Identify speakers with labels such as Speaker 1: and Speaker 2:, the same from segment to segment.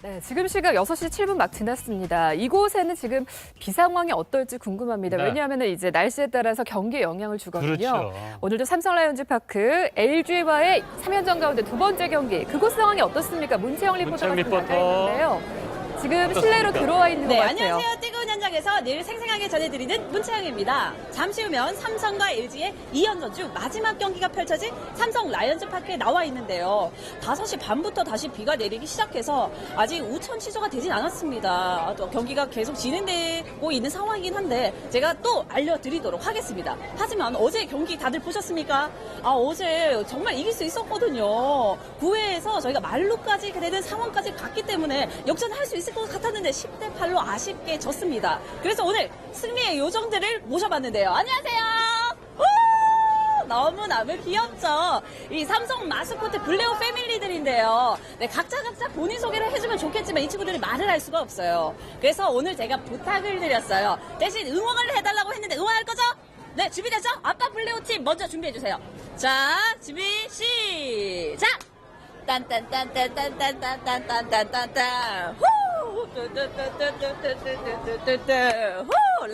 Speaker 1: 네, 지금 시각 6시 7분 막 지났습니다. 이곳에는 지금 비 상황이 어떨지 궁금합니다.
Speaker 2: 네.
Speaker 1: 왜냐하면 이제 날씨에 따라서 경기에 영향을 주거든요.
Speaker 2: 그렇죠.
Speaker 1: 오늘도 삼성 라이온즈 파크 LG와의 3연전 가운데 두 번째 경기. 그곳 상황이 어떻습니까? 문채영 리포터가
Speaker 2: 문채영
Speaker 1: 나가
Speaker 2: 리포터.
Speaker 1: 있는데요. 지금
Speaker 2: 어떻습니까?
Speaker 1: 실내로 들어와 있는 것 같아요.
Speaker 3: 안녕하세요. 뜨거운 현장에서 늘 생생하게 전해드리는 문채영입니다. 잠시 후면 삼성과 LG의 2연전 중 마지막 경기가 펼쳐진 삼성 라이온즈 파크에 나와 있는데요. 5시 반부터 다시 비가 내리기 시작해서 아직 우천 취소가 되진 않았습니다. 또 경기가 계속 진행되고 있는 상황이긴 한데 제가 또 알려드리도록 하겠습니다. 하지만 어제 경기 다들 보셨습니까? 어제 정말 이길 수 있었거든요. 9회에서 저희가 말루까지 되는 상황까지 갔기 때문에 역전할 수 있을 것 같았는데 10대 8로 아쉽게 졌습니다. 그래서 오늘 승리의 요정들을 모셔봤는데요. 안녕하세요. 너무너무 귀엽죠? 이 삼성 마스코트 블레오 패밀리들인데요. 네, 각자 본인 소개를 해주면 좋겠지만 이 친구들이 말을 할 수가 없어요. 그래서 오늘 제가 부탁을 드렸어요. 대신 응원을 해달라고 했는데 응원할 거죠? 네, 준비됐죠? 아빠 블레오 팀 먼저 준비해주세요. 자, 준비 시작! 딴딴딴딴딴딴딴딴딴딴딴 후! 뚜뚜뚜뚜뚜뚜뚜뚜뚜뚜 후!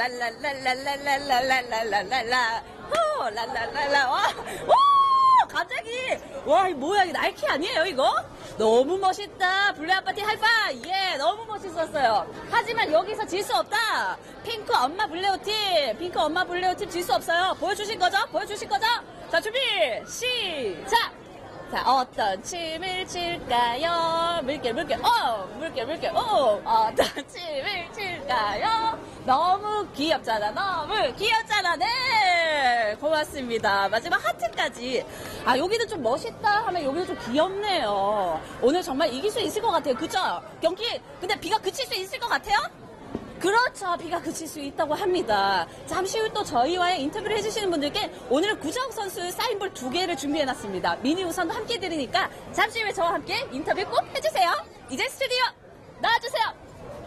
Speaker 3: 랄랄랄랄랄랄랄랄랄랄라 후! 랄랄랄라 와! 갑자기 와, 이 뭐야, 이거 나이키 아니에요 이거? 너무 멋있다. 블루 아파트 하이파이. 예, 너무 멋있었어요. 하지만 여기서 질 수 없다. 핑크 엄마 블레오 팀, 핑크 엄마 블레오 팀 질 수 없어요. 보여주실 거죠? 보여주실 거죠? 자, 준비 시작. 자, 어떤 춤을 출까요? 물결, 물결, 물결, 물결, 어떤 춤을 출까요? 너무 귀엽잖아, 너무 귀엽잖아, 네! 고맙습니다. 마지막 하트까지. 여기도 좀 멋있다 하면 여기도 좀 귀엽네요. 오늘 정말 이길 수 있을 것 같아요. 그죠? 경기, 근데 비가 그칠 수 있을 것 같아요? 그렇죠. 비가 그칠 수 있다고 합니다. 잠시 후 또 저희와의 인터뷰를 해주시는 분들께 오늘은 구자욱 선수의 사인볼 2개를 준비해놨습니다. 미니 우선도 함께 들으니까 잠시 후에 저와 함께 인터뷰 꼭 해주세요. 이제 스튜디오 나와주세요.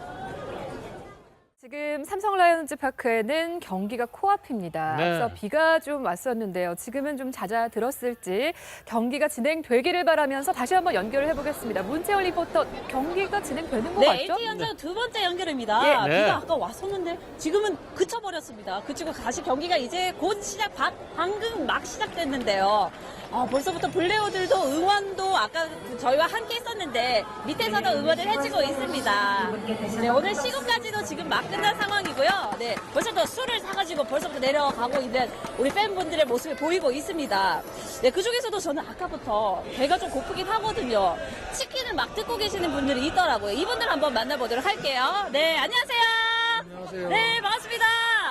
Speaker 1: 지금 삼성 라이온즈 파크에는 경기가 코앞입니다.
Speaker 2: 네.
Speaker 1: 앞서 비가 좀 왔었는데요. 지금은 좀 잦아들었을지 경기가 진행되기를 바라면서 다시 한번 연결을 해보겠습니다. 문채영 리포터, 경기가 진행되는 것
Speaker 3: 네,
Speaker 1: 같죠?
Speaker 3: LG 연전 두 번째 연결입니다.
Speaker 2: 네.
Speaker 3: 비가 아까 왔었는데 지금은 그쳐버렸습니다. 그치고 다시 경기가 이제 곧 방금 막 시작됐는데요. 벌써부터 블레오들도 응원도 아까 저희와 함께 했었는데 밑에서도 응원을 해주고 있습니다. 네, 오늘 시구까지도 지금 막 끝난 상황이고요. 네, 벌써부터 술을 사가지고 벌써부터 내려가고 있는 우리 팬분들의 모습이 보이고 있습니다. 네, 그중에서도 저는 아까부터 배가 좀 고프긴 하거든요. 치킨을 막 뜯고 계시는 분들이 있더라고요. 이분들 한번 만나보도록 할게요. 네, 안녕하세요.
Speaker 4: 안녕하세요.
Speaker 3: 네, 반갑습니다.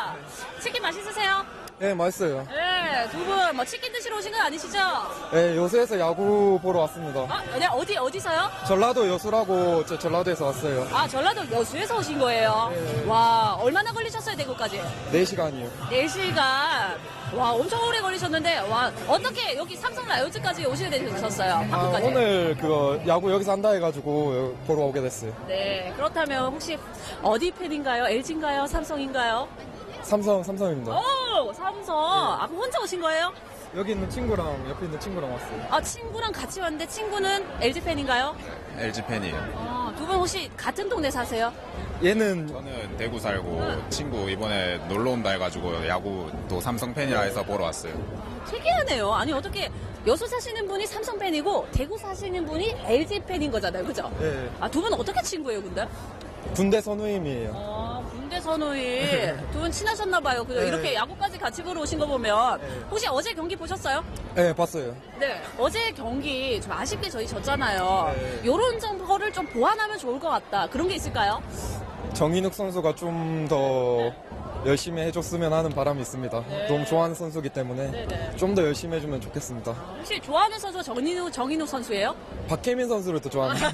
Speaker 3: 치킨 맛있으세요?
Speaker 4: 네, 맛있어요.
Speaker 3: 네, 두 분 뭐 치킨 드시러 오신 건 아니시죠?
Speaker 4: 네, 여수에서 야구 보러 왔습니다.
Speaker 3: 네, 어디서요?
Speaker 4: 전라도 여수라고 전라도에서 왔어요.
Speaker 3: 전라도 여수에서 오신 거예요?
Speaker 4: 네.
Speaker 3: 와, 얼마나 걸리셨어요, 대구까지?
Speaker 4: 4시간이요.
Speaker 3: 4시간. 와, 엄청 오래 걸리셨는데, 와, 어떻게 여기 삼성 라이온즈까지 오시게 되셨어요? 파크까지?
Speaker 4: 오늘 야구 여기서 한다 해가지고 보러 오게 됐어요.
Speaker 3: 네, 그렇다면 혹시 어디 팬인가요? LG인가요? 삼성인가요?
Speaker 4: 삼성입니다.
Speaker 3: 오, 삼성. 그럼 혼자 오신 거예요?
Speaker 4: 여기 있는 친구랑 옆에 있는 친구랑 왔어요.
Speaker 3: 친구랑 같이 왔는데 친구는 LG 팬인가요?
Speaker 5: LG 팬이에요.
Speaker 3: 두 분 혹시 같은 동네 사세요?
Speaker 4: 얘는
Speaker 5: 저는 대구 살고 친구 이번에 놀러 온다 해가지고 야구 또 삼성 팬이라 해서 보러 왔어요.
Speaker 3: 특이하네요. 아니, 어떻게 여수 사시는 분이 삼성 팬이고 대구 사시는 분이 LG 팬인 거잖아요. 그죠?
Speaker 4: 네,
Speaker 3: 두 분 어떻게 친구예요, 근데?
Speaker 4: 군대 선우임이에요.
Speaker 3: 군대 선우이 두 분 친하셨나 봐요. 그죠?
Speaker 4: 네.
Speaker 3: 이렇게 야구까지 같이 보러 오신 거 보면
Speaker 4: 네.
Speaker 3: 혹시 어제 경기 보셨어요?
Speaker 4: 네, 봤어요.
Speaker 3: 네. 어제 경기 좀 아쉽게 저희 졌잖아요.
Speaker 4: 네.
Speaker 3: 요런 점거를 좀 보완하면 좋을 것 같다. 그런 게 있을까요?
Speaker 4: 정인욱 선수가 좀 더 열심히 해줬으면 하는 바람이 있습니다. 너무 좋아하는 선수기 때문에
Speaker 3: 네네.
Speaker 4: 좀 더 열심히 해주면 좋겠습니다.
Speaker 3: 혹시 좋아하는 선수가 정인욱 선수예요?
Speaker 4: 박혜민 선수를 또 좋아합니다.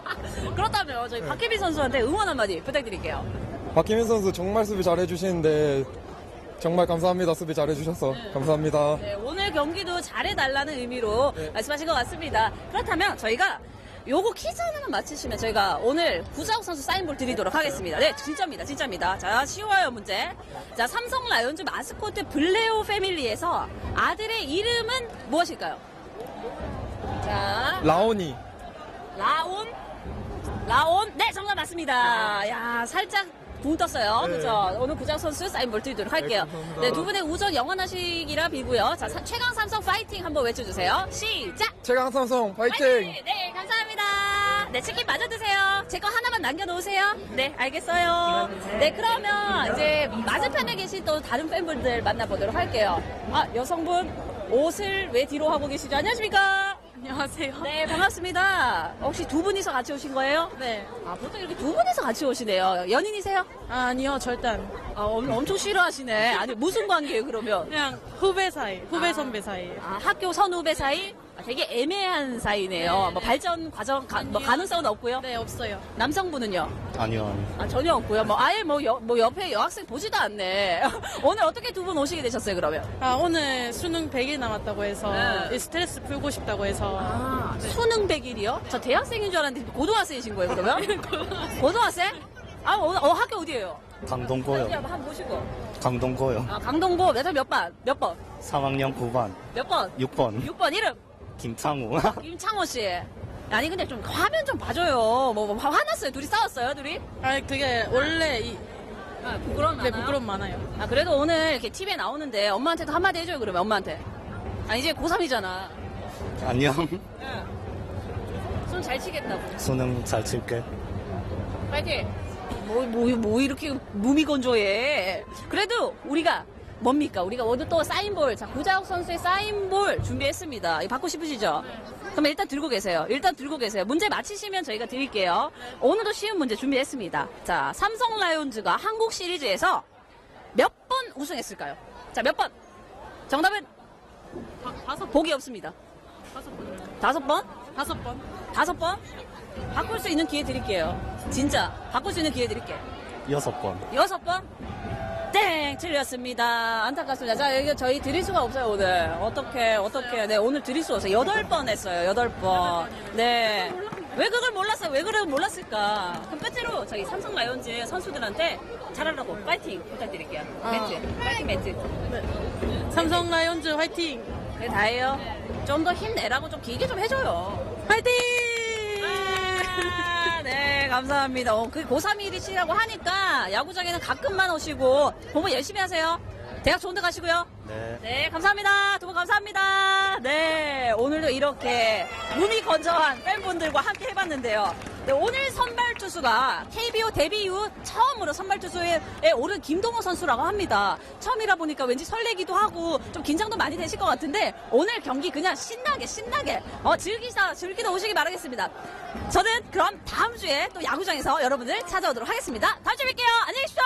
Speaker 3: 그렇다면 저희 박혜빈 선수한테 응원 한마디 부탁드릴게요.
Speaker 4: 박혜민 선수 정말 수비 잘해주시는데 정말 감사합니다. 수비 잘해주셔서 감사합니다.
Speaker 3: 네, 오늘 경기도 잘해달라는 의미로
Speaker 4: 네.
Speaker 3: 말씀하신 것 같습니다. 그렇다면 저희가 요거 퀴즈 하나만 맞히시면 저희가 오늘 구자욱 선수 사인볼 드리도록 하겠습니다. 네, 진짜입니다. 자, 쉬워요, 문제. 자, 삼성 라이온즈 마스코트 블레오 패밀리에서 아들의 이름은 무엇일까요? 자,
Speaker 4: 라온이.
Speaker 3: 라온? 네, 맞습니다. 야, 살짝 붕 떴어요.
Speaker 4: 네.
Speaker 3: 그죠? 오늘 구자욱 선수 사인볼 드리도록 할게요.
Speaker 4: 감사합니다.
Speaker 3: 네, 두 분의 우정 영원하시기라 빌고요. 자, 최강 삼성 파이팅 한번 외쳐주세요. 시작!
Speaker 4: 최강 삼성 파이팅!
Speaker 3: 네, 감사합니다. 네, 치킨 마저 드세요. 제 거 하나만 남겨놓으세요. 네, 알겠어요. 네, 그러면 이제 맞은편에 계신 또 다른 팬분들 만나보도록 할게요. 아, 여성분 옷을 왜 뒤로 하고 계시죠? 안녕하십니까?
Speaker 2: 안녕하세요.
Speaker 3: 네, 반갑습니다. 혹시 두 분이서 같이 오신 거예요?
Speaker 2: 네.
Speaker 3: 아, 보통 이렇게 두 분이서 같이 오시네요. 연인이세요?
Speaker 2: 아니요, 절대 안.
Speaker 3: 아, 엄청 싫어하시네. 아니, 무슨 관계예요, 그러면?
Speaker 2: 그냥 후배 사이, 후배 선배 사이.
Speaker 3: 아, 학교 선후배 사이? 아, 되게 애매한 사이네요. 뭐 발전 과정, 뭐 가능성은 없고요.
Speaker 2: 네, 없어요.
Speaker 3: 남성분은요?
Speaker 6: 아니요.
Speaker 3: 아, 전혀 없고요. 뭐 아예 뭐 옆에 여학생 보지도 않네. 오늘 어떻게 두 분 오시게 되셨어요, 그러면?
Speaker 2: 아, 오늘 수능 100일 남았다고 해서
Speaker 3: 네.
Speaker 2: 이 스트레스 풀고 싶다고 해서.
Speaker 3: 아, 수능 100일이요? 저 대학생인 줄 알았는데 고등학생이신 거예요, 그러면? 고등학생? 아, 학교 어디예요?
Speaker 6: 강동고요.
Speaker 3: 한번 보시고.
Speaker 6: 강동고요.
Speaker 3: 아, 강동고 몇 반? 몇 번?
Speaker 6: 3학년 9반.
Speaker 3: 몇 번?
Speaker 6: 6번.
Speaker 3: 6번 이름?
Speaker 6: 김창우.
Speaker 3: 김창호 씨. 아니 근데 좀 화면 좀 봐줘요. 뭐 화났어요? 둘이 싸웠어요? 둘이?
Speaker 2: 아, 그게 원래
Speaker 3: 아, 부끄러움
Speaker 2: 네,
Speaker 3: 많아요?
Speaker 2: 부끄러움 많아요.
Speaker 3: 아 그래도 오늘 이렇게 TV에 나오는데 엄마한테도 한마디 해줘요 그러면 엄마한테. 아 이제 고3이잖아.
Speaker 6: 안녕.
Speaker 3: 손 잘 치겠다고.
Speaker 6: 수능 잘 칠게.
Speaker 3: 파이팅. 뭐 이렇게 무미건조해. 그래도 우리가 뭡니까? 우리가 오늘 또 사인볼, 자 구자욱 선수의 사인볼 준비했습니다. 이거 받고 싶으시죠? 그럼 일단 들고 계세요. 문제 맞히시면 저희가 드릴게요. 오늘도 쉬운 문제 준비했습니다. 자, 삼성 라이온즈가 한국 시리즈에서 몇 번 우승했을까요? 자, 몇 번? 정답은 보기 없습니다. 5번?
Speaker 2: 5번.
Speaker 3: 5번? 바꿀 수 있는 기회 드릴게요. 진짜 바꿀 수 있는 기회 드릴게요.
Speaker 6: 6번.
Speaker 3: 6번? 땡! 틀렸습니다. 안타깝습니다. 자, 여기 저희 드릴 수가 없어요, 오늘. 어떻게. 네, 오늘 드릴 수 없어요. 8번 했어요, 8번. 네. 왜 그걸 몰랐어요? 왜 그걸 몰랐을까? 그럼 끝으로 저희 삼성 라이온즈 선수들한테 잘하라고 파이팅 부탁드릴게요. 매트. 파이팅 매트.
Speaker 2: 삼성 라이온즈 화이팅!
Speaker 3: 그게 다예요. 좀 더 힘내라고 좀 길게 좀 해줘요.
Speaker 2: 화이팅!
Speaker 3: 아, 네, 감사합니다. 그 고3이시라고 하니까 야구장에는 가끔만 오시고 공부 열심히 하세요. 대학 좋은 데 가시고요.
Speaker 6: 네.
Speaker 3: 네, 감사합니다. 두 분 감사합니다. 네, 오늘도 이렇게 무미건조한 팬분들과 함께 해봤는데요. 네, 오늘 선발 투수가 KBO 데뷔 이후 처음으로 선발 투수에 오른 김동호 선수라고 합니다. 처음이라 보니까 왠지 설레기도 하고 좀 긴장도 많이 되실 것 같은데 오늘 경기 그냥 신나게 즐기다 오시기 바라겠습니다. 저는 그럼 다음 주에 또 야구장에서 여러분들 찾아오도록 하겠습니다. 다음 주에 뵐게요. 안녕히 계십시오.